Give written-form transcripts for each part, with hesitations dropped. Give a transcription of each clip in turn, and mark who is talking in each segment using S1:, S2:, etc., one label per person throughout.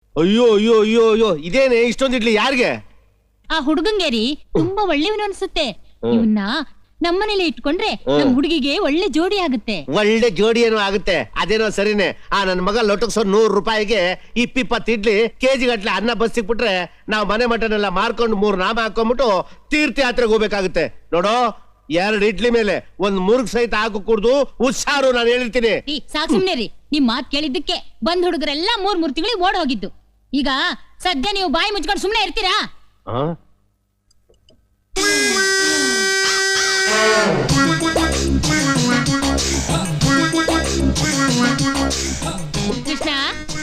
S1: ಅಯ್ಯೋ ಅಯ್ಯೋ ಅಯ್ಯೋ ಅಯ್ಯೋ ಇದೇನೆ ಇಷ್ಟೊಂದು ಇಡ್ಲಿ ಯಾರಿಗೆ?
S2: ಆ ಹುಡುಗಂಗೇರಿ ತುಂಬಾ ಒಳ್ಳೆಯವನು ಅನ್ಸುತ್ತೆ. ಇವನ್ನ ನಮ್ಮನೇಲಿ ಇಟ್ಕೊಂಡ್ರೆ ನಮ್ ಹುಡುಗಿಗೆ ಒಳ್ಳೆ ಜೋಡಿ ಆಗುತ್ತೆ.
S1: ಒಳ್ಳೆ ಜೋಡಿ ಏನೋ ಆಗುತ್ತೆ, ಅದೇನೋ ಸರಿನೇ. ನನ್ ಮಗ ಲೊಟಕ್ಸೋ 100 ರೂಪಾಯಿಗೆ 20 ಇಡ್ಲಿ ಕೆಜಿ ಗಟ್ಲೆ ಅನ್ನ ಬಸ್ ಸಿಕ್ಬಿಟ್ರೆ ನಾವ್ ಮನೆ ಮಟನೆಲ್ಲ ಮಾರ್ಕೊಂಡು 3 ನಾಮ ಹಾಕೊಂಡ್ಬಿಟ್ಟು ತೀರ್ಥಯಾತ್ರೆಗೆ ಹೋಗ್ಬೇಕಾಗುತ್ತೆ. ನೋಡೋ 2 ಇಡ್ಲಿ ಮೇಲೆ 1 ಮುರುಗ್ ಸಹಿತ ಹಾಕು ಕುಡ್ದು ಹುಷಾರು, ನಾನು ಹೇಳಿರ್ತೀನಿ.
S2: ಸಾಕ್ ಸುಮ್ನೆ ರೀ, ನಿಮ್ ಮಾತ್ ಕೇಳಿದ್ದಕ್ಕೆ ಬಂದ್ ಹುಡುಗರೆಲ್ಲ 3 ತಿಂಗಳಿಗೆ ಓಡ್ ಹೋಗಿದ್ದು. ಈಗ ಸದ್ಯ ನೀವು ಬಾಯಿ ಮುಚ್ಕೊಂಡು ಸುಮ್ನೆ ಇರ್ತೀರಾ? Krishna,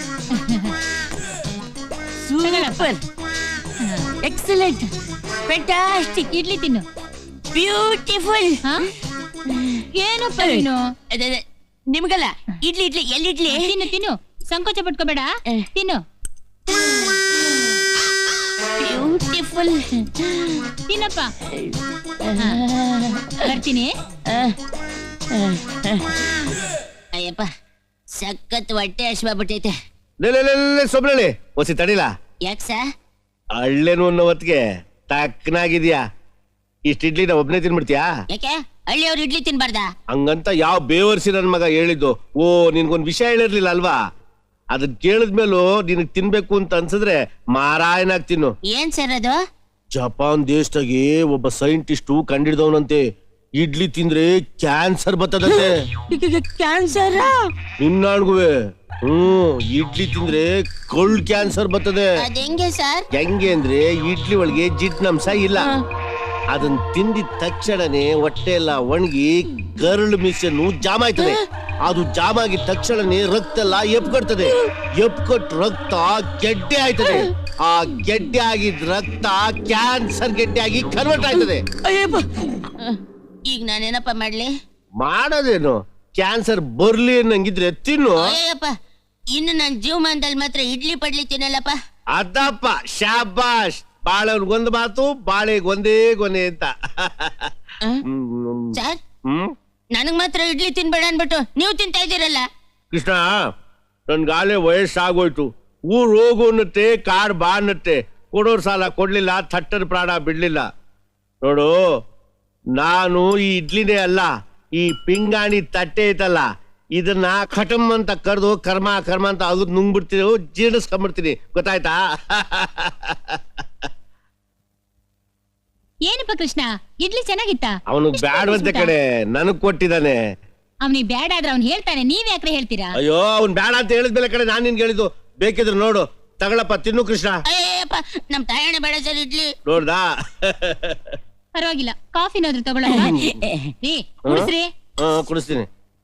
S3: super, excellent, fantastic.
S2: Idli ತಿನ್ನು.
S3: ಬ್ಯೂಟಿಫುಲ್.
S2: ಏನಪ್ಪ ನೀನು?
S3: ನಿಮ್ಗಲ್ಲ, ಇಡ್ಲಿ ಇಡ್ಲಿ ಎಲ್ಲಿಡ್ಲಿ?
S2: ತಿನ್ನು ತಿನ್ನು, ಸಂಕೋಚ ಪಟ್ಕೋಬೇಡ, ತಿನ್ನು.
S3: ಬ್ಯೂಟಿಫುಲ್.
S2: ತಿನ್ನಪ್ಪ. ಬರ್ತೀನಿ.
S3: ಅಯ್ಯಪ್ಪ, ಸಖತ್ ಹೊಟ್ಟೆ ಹಶ್ವಾಗ್ಬಿಟ್ಟೈತೆ.
S1: ಸೊಬ್ಳಿ ಒಸಿ ತಡಿಲ.
S3: ಯಾಕ ಸರ್?
S1: ಹಳ್ಳೇನು ಅನ್ನೋ ಹೊತ್ತಿಗೆ ತಕ್ಕನಾಗಿದ್ಯಾ. ಇಷ್ಟ ಇಡ್ಲಿ ಒಬ್ನೇ ತಿನ್ಬಿಡ್ತೀಯಾ?
S3: ಯಾಕೆ ಹಳ್ಳಿಯವ್ರು ಇಡ್ಲಿ ತಿನ್ಬಾರ್ದ?
S1: ಹಂಗಂತ ಯಾವ ಬೇವರ್ಸಿ ನನ್ ಮಗ ಹೇಳಿದ್ದು. ಓ, ನಿನ್ಗೊಂದ್ ವಿಷಯ ಹೇಳಿರ್ಲಿಲ್ಲ ಅಲ್ವಾ? ಅದನ್ ಕೇಳಿದ್ಮೇಲೂ ನಿನಗ್ ತಿನ್ಬೇಕು ಅಂತ ಅನ್ಸಿದ್ರೆ ಮಾರಾಯನಾಗ್ ತಿನ್ನು.
S3: ಏನ್ ಸರ್ ಅದು?
S1: ಜಪಾನ್ ದೇಶದಾಗೆ ಒಬ್ಬ ಸೈಂಟಿಸ್ಟು ಕಂಡಿಡ್ದವನಂತೆ, ಇಡ್ಲಿ ತಿಂದ್ರೆ ಕ್ಯಾನ್ಸರ್ ಬರ್ತದಂತೆ.
S3: ಕ್ಯಾನ್ಸರ್?
S1: ನಿನ್ನಾಣ್ಗುವೆ ಇಡ್ಲಿ ತಿಂದ್ರೆ ಕೋಲ್ಡ್ ಕ್ಯಾನ್ಸರ್ ಬರ್ತದೆ.
S3: ಹೆಂಗೆ ಸರ್?
S1: ಹೆಂಗೆ ಅಂದ್ರೆ ಇಡ್ಲಿ ಒಳಗೆ ಜಿಡ್ನಂಶ ಇಲ್ಲ. ಅದನ್ನ ತಿಂದಿದ ತಕ್ಷಣನೇ ಹೊಟ್ಟೆ ಎಲ್ಲ ಒಣಗಿ ಕರಳು ಮಿಷನ್ ಜಾಮ್ ಆಯ್ತದೆ. ಅದು ಜಾಮ್ ಆಗಿದ ತಕ್ಷಣನೇ ರಕ್ತ ಎಲ್ಲ ಎಪ್ಕೊಡ್ತದೆ. ಎಪ್ಕೊಟ್ ರಕ್ತ ಗೆಡ್ಡೆ ಆಯ್ತದೆ. ಆ ಗೆಡ್ಡೆ ಆಗಿದ್ ರಕ್ತ ಕ್ಯಾನ್ಸರ್ ಗೆಡ್ಡೆ ಆಗಿ ಕನ್ವರ್ಟ್ ಆಯ್ತದೆ.
S3: ಈಗ ನಾನೇನಪ್ಪ ಮಾಡ್ಲಿ?
S1: ಮಾಡೋದೇನು, ಕ್ಯಾನ್ಸರ್ ಬರ್ಲಿ ಅನ್ನಂಗಿದ್ರೆ ತಿನ್ನು.
S3: ಅಯ್ಯಪ್ಪ, ಇನ್ನು ನನ್ ಜೀವಮಾನದಲ್ಲಿ ಮಾತ್ರ ಇಡ್ಲಿ ಪಡ್ಲಿ ತಿನ್ನಲ್ಲಪ್ಪ.
S1: ಅದಪ್ಪ, ಶಾಬಾಷ್. ಬಾಳೆಗೊಂದು ಮಾತು, ಬಾಳೆಗೆ ಒಂದೇ ಗೊನೆ ಅಂತ.
S3: ಸರ್, ನನಗ್ ಮಾತ್ರ ಇಡ್ಲಿ ತಿನ್ಬೇಡ ಅನ್ಬಿಟ್ಟು ನೀವು ತಿಂತಾ ಇದ್ದೀರಲ್ಲ.
S1: ಕೃಷ್ಣ, ನನ್ಗಾಲೆ ವಯಸ್ಸಾಗೋಯ್ತು. ಊರ್ ಹೋಗು ಅನ್ನತ್ತೆ, ಕಾರ್ ಬಾ ಅನ್ನತ್ತೆ. ಕೊಡೋರ್ ಸಾಲ ಕೊಡ್ಲಿಲ್ಲ, ಥಟ್ಟರ್ ಪ್ರಾಣ ಬಿಡ್ಲಿಲ್ಲ. ನೋಡು, ನಾನು ಈ ಇಡ್ಲಿನೇ ಅಲ್ಲ, ಈ ಪಿಂಗಾಣಿ ತಟ್ಟೆ ಐತಲ್ಲ, ಇದನ್ನ ಖಟಮ್ ಅಂತ ಕರೆದು ಕರ್ಮ ಕರ್ಮ ಅಂತ ಅಗದ್ ನುಂಗ್ಬಿಡ್ತೀನಿ, ಜೀರ್ಣಿಸ್ಕೊಂಡ್ಬಿಡ್ತೀನಿ. ಗೊತ್ತಾಯ್ತಾ?
S2: ಏನಪ್ಪ ಕೃಷ್ಣ, ಇಡ್ಲಿ ಚೆನ್ನಾಗಿತ್ತ?
S1: ಅವನು ಬ್ಯಾಡವಂತೆ ಕಡೆ ನನಗ್ ಕೊಟ್ಟಿದ್ದಾನೆ.
S2: ಅವನಿಗೆ ಬ್ಯಾಡ ಆದ್ರೆ ಅವ್ನು ಹೇಳ್ತಾನೆ, ನೀವ್ ಯಾಕ್ರೆ ಹೇಳ್ತೀರಾ?
S1: ಅಯ್ಯೋ, ಅವ್ನ್ ಬ್ಯಾಡ ಅಂತ ಹೇಳಿದ್ಮೇಲೆ ಕಡೆ ನಾನ್ ನಿನ್ಗೆ ಹೇಳಿದ್ದು. ಬೇಕಿದ್ರೆ ನೋಡು, ತಗೊಳಪ್ಪ, ತಿನ್ನು ಕೃಷ್ಣ.
S3: ಅಯ್ಯಪ್ಪ, ನಮ್ ತಾಯಣ್ಣ ಬೇಡ ಸರ್ ಇಡ್ಲಿ.
S1: ನೋಡ್ದಾ?
S2: ಪರವಾಗಿಲ್ಲ, ಕಾಫಿನಾದ್ರೂ ತಗೊಳ್ಳೋಣ. ಕುಡಿಸ್ರಿ.
S1: ಕುಡಿಸ್ತೀನಿ.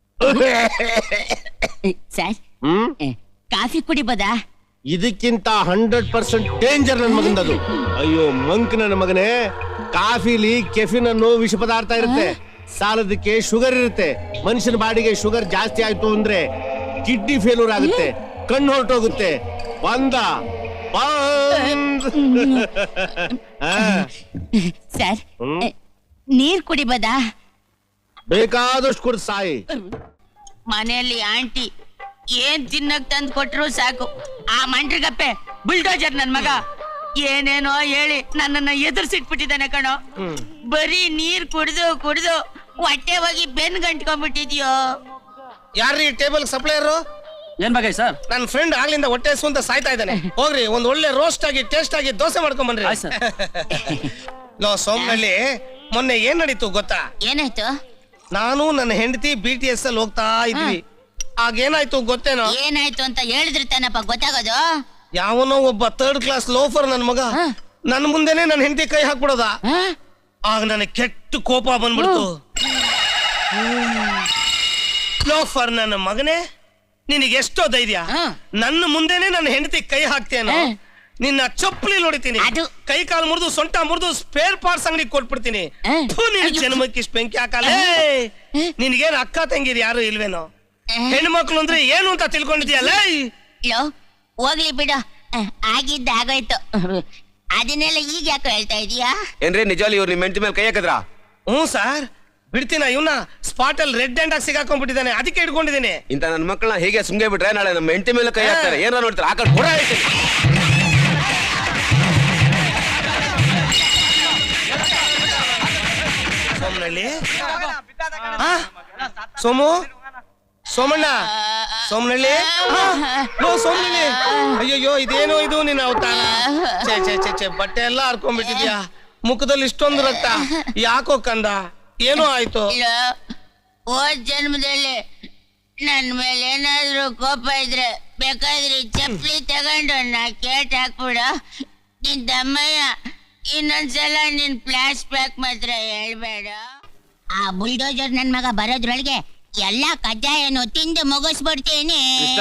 S3: ಸರ್, ಕಾಫಿ ಕುಡಿಬೋದಾ?
S1: ಇದಕ್ಕಿಂತ 100% ಡೇಂಜರ್ ನನ್ ಮಗಂದದು. ಅಯ್ಯೋ ಮಂಕ್, ನನ್ನ ಮಗನೇ, ಕಾಫಿಲಿ ಕೆಫಿನ್ ಅನ್ನೋ ವಿಷ ಪದಾರ್ಥ ಇರುತ್ತೆ. ಸಾಲದಕ್ಕೆ ಶುಗರ್ ಇರುತ್ತೆ. ಮನುಷ್ಯನ ಬಾಡಿಗೆ ಶುಗರ್ ಜಾಸ್ತಿ ಆಯ್ತು ಅಂದ್ರೆ ಕಿಡ್ನಿ ಫೇಲ್ಯೂರ್ ಆಗುತ್ತೆ, ಕಣ್ಣು ಹೊರಟೋಗುತ್ತೆ. ಬಂದ
S3: ಸರ್, ನೀರ್ ಕುಡಿಬೋದಾ?
S1: ಬೇಕಾದಷ್ಟು ಕುಡ್ ಸಾಯಿ.
S3: ಮನೆಯಲ್ಲಿ ಆಂಟಿ ಏನ್ ತಿನ್ನಕ್ ತಂದ್ ಕೊಟ್ರು ಸಾಕು, ಆ ಮಂಡ್ರಿಗಪ್ಪೆ ಬುಲ್ಡೋಜರ್ ನನ್ ಮಗ ಏನೇನೋ ಹೇಳಿ ನನ್ನನ್ನ ಎದುರ್ಸಿಟ್ಬಿಟ್ಟಿದ್ದಾನೆ ಕಣೋ. ಬರೀ ನೀರ್ ಕುಡ್ದು ಕುಡ್ದು ಹೊಟ್ಟೆ ಹೋಗಿ ಬೆನ್ ಗಂಟ್ಕೊಂಡ್ಬಿಟ್ಟಿದ್ಯೋ.
S4: ಯಾರ್ರೀ ಟೇಬಲ್ ಸಪ್ಲೈಯರು?
S5: ಏನ್ ಬಗ್ಗೆ ಸರ್?
S4: ನನ್ನ ಫ್ರೆಂಡ್ ಆಗ್ಲಿಂದ ಹೊಟ್ಟೆ ಹಸು ಅಂತ ಸಾಯ್ತಾ ಇದ್ದಾನೆ. ಹೋಗ್ರಿ, ಒಂದ್ ಒಳ್ಳೆ ರೋಸ್ಟ್ ಆಗಿ ಟೇಸ್ಟ್ ಆಗಿ ದೋಸೆ ಮಾಡ್ಕೊಂಡ್ ಬನ್ರಿ. ಲೋ ಸೋಮನಳ್ಳಿ, ಮೊನ್ನೆ ಏನ್ ನಡೀತು ಗೊತ್ತಾ?
S3: ಏನಾಯ್ತು?
S4: ನಾನು ನನ್ನ ಹೆಂಡತಿ BTS ಅಲ್ಲಿ ಹೋಗ್ತಾ ಇದ್ವಿ. ಆಗೇನಾಯ್ತು ಗೊತ್ತೇನೋ?
S3: ಏನಾಯ್ತು ಅಂತ ಹೇಳಿದ್ರೆ ತಾನಪ್ಪ ಗೊತ್ತಾಗೋದು.
S4: ಯಾವನೋ ಒಬ್ಬ 3rd ಕ್ಲಾಸ್ ಲೋಫರ್ ನನ್ ಮಗ ನನ್ ಮುಂದೆನೆ ನನ್ನ ಹೆಂಡತಿ ಕೈ ಹಾಕ್ಬಿಡೋದ. ಆಗ ನನಗೆ ಕೆಟ್ಟ ಕೋಪ ಬಂದ್ಬಿಡ್ತು. ಲೋಫರ್ ನನ್ನ ಮಗನೇ, ನಿನಗೆ ಎಷ್ಟೋ ಧೈರ್ಯ, ನನ್ನ ಮುಂದೆನೆ ನನ್ನ ಹೆಂಡತಿ ಕೈ ಹಾಕ್ತೇನೋ? ನಿನ್ನ ಚಪ್ಪಲಿ ನೋಡಿತೀನಿ, ಕೈ ಕಾಲು ಮುರಿದು ಸೊಂಟ ಮುರಿದು ಸ್ಪೇರ್ ಪಾರ್ಟ್ಸ್ ಅಂಗಡಿ ಕೊಟ್ಬಿಡ್ತೀನಿ. ಜನ್ಮಕ್ಕೆ ಇಷ್ಟ ಬೆಂಕಿ ಹಾಕಲ್ಲ. ನಿನ್ಗೇನು ಅಕ್ಕ ತಂಗಿರಿ ಯಾರು ಇಲ್ವೇನೋ? ಹೆಣ್ಮಕ್ಳು ಅಂದ್ರೆ ಏನು ಅಂತ ತಿಳ್ಕೊಂಡಿದ್ಯಲ್ಲ?
S3: ಹೋಗ್ಲಿ ಬಿಡು, ಆಗಿದ್ದ ಆಗೋಯ್ತು. ಅದನ್ನೆಲ್ಲ ಈಗ ಯಾಕೆ ಹೇಳ್ತಾ ಇದೀಯಾ?
S5: ಏನ್ರಿ ನಿಜವಾಗ್ಲೂ ಇವ್ರು ನಿಮ್ಮ ಹೆಂಡತಿ ಮೇಲೆ ಕೈ ಹಾಕಿದ್ರಾ?
S4: ಹ್ಞೂ ಸರ್, ಬಿಡ್ತೀನ ಇವನ್ನ ಸ್ಪಾಟ್ ಅಲ್ಲಿ ರೆಡ್ ಹ್ಯಾಂಡ್ ಆಗಿ ಸಿಗಾಕೊಂಡ್ಬಿಟ್ಟಿದ್ದಾನೆ, ಅದಕ್ಕೆ ಹಿಡ್ಕೊಂಡಿದ್ದೀನಿ.
S5: ಇಂತ ನನ್ನ ಮಕ್ಕಳನ್ನ ಹೀಗೆ ಸುಮ್ಗೆ ಬಿಟ್ರೆ ನಾಳೆ ನಮ್ಮ ಹೆಂಡತಿ ಮೇಲೆ ಕೈ ಹಾಕ್ತಾರೆ. ಏನಾರ ನೋಡ್ತಾರೆ ಆ ಕಡೆ ಕೊಡ ಹೇಳ್ತೀನಿ.
S4: ಸೋಮನಳ್ಳಿ ಸೋಮು ಸೋಮಣ್ಣ ಸೋಮನಳ್ಳಿ ಸೋಮನಳ್ಳಿ ಅಯ್ಯಯ್ಯೋ ಇದೇನೋ ಇದು ನಿನ್ನ ಅವತಾರ. ಛೇ ಬಟ್ಟೆ ಎಲ್ಲ ಹರ್ಕೊಂಡ್ಬಿಟ್ಟಿದ್ಯಾ, ಮುಖದಲ್ಲಿ ಇಷ್ಟೊಂದು ರಕ್ತ ಯಾಕೋ ಕಂದ, ಏನೋ ಆಯ್ತು?
S3: ಹೋದ್ ಜನ್ಮದಲ್ಲಿ ನನ್ ಮೇಲೆ ಏನಾದ್ರು ಕೋಪ ಇದ್ರೆ ಬೇಕಾದ್ರೆ ಚಪ್ಪಲಿ ತಗೊಂಡು ನಾ ಕೇಟ್ ಹಾಕ್ಬಿಡು. ನಿನ್ ದಮ್ಮಯ್ಯ ಇನ್ನೊಂದ್ಸಲ ನಿನ್ ಫ್ಲಾಶ್ ಬ್ಯಾಕ್ ಮಾತ್ರ ಹೇಳ್ಬೇಡ. ಆ ಬುಲ್ಡೋಜರ್ ನನ್ ಮಗ ಬರೋದ್ರೊಳಗೆ ಎಲ್ಲಾ ಕಜ್ಜಾಯನು ತಿಂದು ಮುಗಿಸ್ಬಿಡ್ತೀನಿ.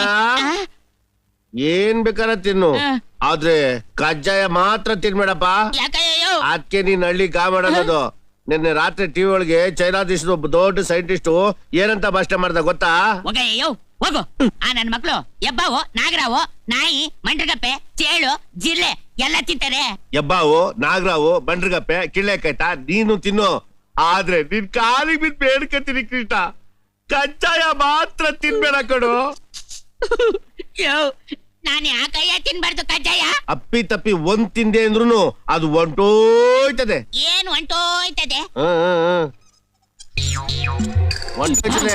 S1: ಏನ್ ಬೇಕಾರ ತಿನ್ನು, ಆದ್ರೆ ಕಜ್ಜಾಯ ಮಾತ್ರ ತಿನ್ಬೇಡಪ್ಪ.
S3: ಯಾಕಯ್ಯೋ
S1: ಅದಕ್ಕೆ ನೀನ್ ಹಳ್ಳಿ ಗಾ ಮಾಡೋದು. ನಿನ್ನೆ ರಾತ್ರಿ ಟಿವಿ ಒಳಗೆ ಚೈನಾ ದೇಶದ ಒಬ್ಬ ದೊಡ್ಡ ಸೈಂಟಿಸ್ಟ್ ಏನಂತ ಭಾಷಣ ಮಾಡ್ದ ಗೊತ್ತಾ?
S3: ಹೋಗಯ್ಯೋ ಹೋಗು. ಆ ನನ್ ಮಕ್ಳು ಎಬ್ಬಾವು, ನಾಗರಾವು, ನಾಯಿ, ಮಂಡ್ರಗಪ್ಪೆ, ಚೇಳು, ಜಿರ್ಲೆ ಎಲ್ಲ ತಿಂತಾರೆ.
S1: ಎಬ್ಬಾವು, ನಾಗರಾವು, ಬಂಡ್ರಗಪ್ಪೆ, ಕಿಳ್ಳೆಕಾಯ್ತ ನೀನು ತಿನ್ನು. ಆದ್ರೆ ನಿನ್ ಕಾಲಿಗೆ ಬಿದ್ದು ಬೇಡ್ಕತೀನಿ ಕೃಷ್ಣ, ಕಜ್ಜಾಯ ಮಾತ್ರ ತಿನ್ಬೇಡ ಕಡು.
S3: ನಾನು ಯಾಕಯ್ಯ ತಿನ್ಬಾರ್ದು ಕಜ್ಜಾಯ?
S1: ಅಪ್ಪಿ ತಪ್ಪಿ ಒಂದ್ ತಿಂದೆ ಅಂದ್ರುನು ಅದು ಹೊಂಟೋಯ್ತದೆ.
S3: ಏನ್ ಹೊಂಟೋಯ್ತದೆ?
S1: ಹೊಂಟೋಯ್ತದೆ.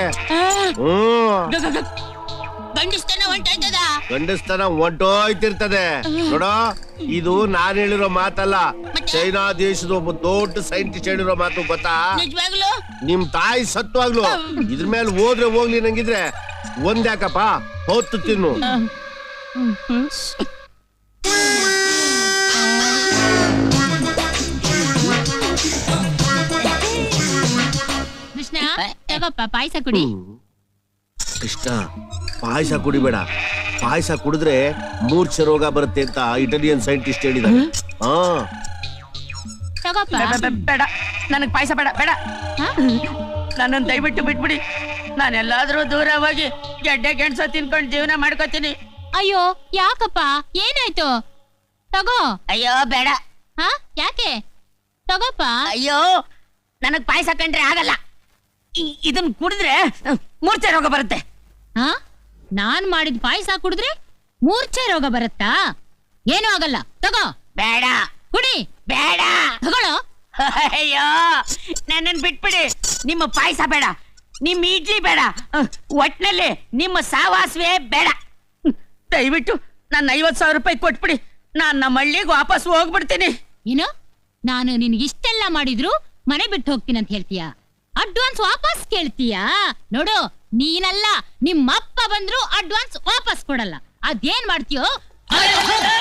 S3: ಗಂಡಸ್ತನ ಹೊಂಟೋಯ್ತದ?
S1: ಗಂಡಸ್ತನ ಹೊಂಟೋಯ್ತಿರ್ತದೆ ನೋಡೋ. ಇದು ನಾನ್ ಹೇಳಿರೋ ಮಾತಲ್ಲ, ಚೈನಾ ದೇಶದ ಒಬ್ಬ ದೊಡ್ಡ ಸೈಂಟಿಸ್ಟ್ ಹೇಳಿರೋ ಮಾತು. ಗೊತ್ತಾ?
S3: ನಿಜವಾಗ್ಲು?
S1: ನಿಮ್ ತಾಯಿ ಸತ್ವಾಗ್ಲು ಇದ್ರ ಮೇಲೆ ಹೋದ್ರೆ ಹೋಗ್ಲಿ ನಂಗಿದ್ರೆ ಒಂದ್ಯಾಕಪ್ಪ ಹೊತ್ತು ತಿನ್ನು.
S2: ಕೃಷ್ಣ ತಗೋಪ್ಪ ಪಾಯಸ ಕುಡಿ.
S1: ಕೃಷ್ಣ ಪಾಯಸ ಕುಡಿಬೇಡ, ಪಾಯಸ ಕುಡಿದ್ರೆ ಮೂರ್ಛೆ ರೋಗ ಬರುತ್ತೆ ಅಂತ ಇಟಾಲಿಯನ್ ಸೈಂಟಿಸ್ಟ್ ಹೇಳಿದ್ದಾರೆ. ಹಾ
S2: ತಗೋಪ್ಪ.
S3: ಬೇಡ, ನನಗ್ ಪಾಯಸ ಬೇಡ ಬೇಡ.
S2: ಹಾ?
S3: ನನ್ನನ್ನು ದಯವಿಟ್ಟು ಬಿಟ್ಬಿಡಿ. ನಾನೆಲ್ಲಾದ್ರೂ ದೂರ ಹೋಗಿ ಗೆಡ್ಡೆ ಗೆಣಸ ತಿನ್ಕೊಂಡು ಜೀವನ ಮಾಡ್ಕೋತೀನಿ.
S2: ಅಯ್ಯೋ ಯಾಕಪ್ಪ, ಏನಾಯ್ತು? ತಗೋ.
S3: ಅಯ್ಯೋ ಬೇಡ.
S2: ಹಾ ಯಾಕೆ? ತಗೋಪ್ಪ.
S3: ಅಯ್ಯೋ ನನಗ್ ಪಾಯಸ ಕಂಡ್ರೆ ಆಗಲ್ಲ. ಇದನ್ ಕುಡಿದ್ರೆ ಮೂರ್ಛೆ ರೋಗ ಬರುತ್ತೆ.
S2: ಹಾ ನಾನ್ ಮಾಡಿದ ಪಾಯಸ ಕುಡಿದ್ರೆ ಮೂರ್ಛೆ ರೋಗ ಬರುತ್ತಾ? ಏನೂ ಆಗಲ್ಲ, ತಗೋ.
S3: ಬೇಡ
S2: ಕುಡಿ.
S3: ಬೇಡ
S2: ತಗೊಳ್ಳೋ.
S3: ಅಯ್ಯೋ ನನ್ನನ್ ಬಿಟ್ಬಿಡಿ. ನಿಮ್ಮ ಪಾಯಸ ಬೇಡ, ನಿಮ್ ಇಡ್ಲಿ ಬೇಡ, ಒಟ್ನಲ್ಲಿ ನಿಮ್ಮ ಸಾವಾಸವೇ ಬೇಡ. ದಯವಿಟ್ಟು ನನ್ನ 50,000 ರೂಪಾಯಿ ಕೊಟ್ಬಿಡಿ. ನಾನ್ ನಮ್ಮ ಹಳ್ಳಿಗೆ ವಾಪಸ್ ಹೋಗ್ಬಿಡ್ತೀನಿ.
S2: ಏನು, ನಾನು ನಿನ್ಗಿಷ್ಟೆಲ್ಲ ಮಾಡಿದ್ರು ಮನೆ ಬಿಟ್ಟು ಹೋಗ್ತೀನಿ ಅಂತ ಹೇಳ್ತೀಯಾ? ಅಡ್ವಾನ್ಸ್ ವಾಪಸ್ ಕೇಳ್ತೀಯಾ? ನೋಡು, ನೀನಲ್ಲ ನಿಮ್ಮಪ್ಪ ಬಂದ್ರು ಅಡ್ವಾನ್ಸ್ ವಾಪಸ್ ಕೊಡಲ್ಲ. ಅದೇನ್ ಮಾಡ್ತೀಯೋ?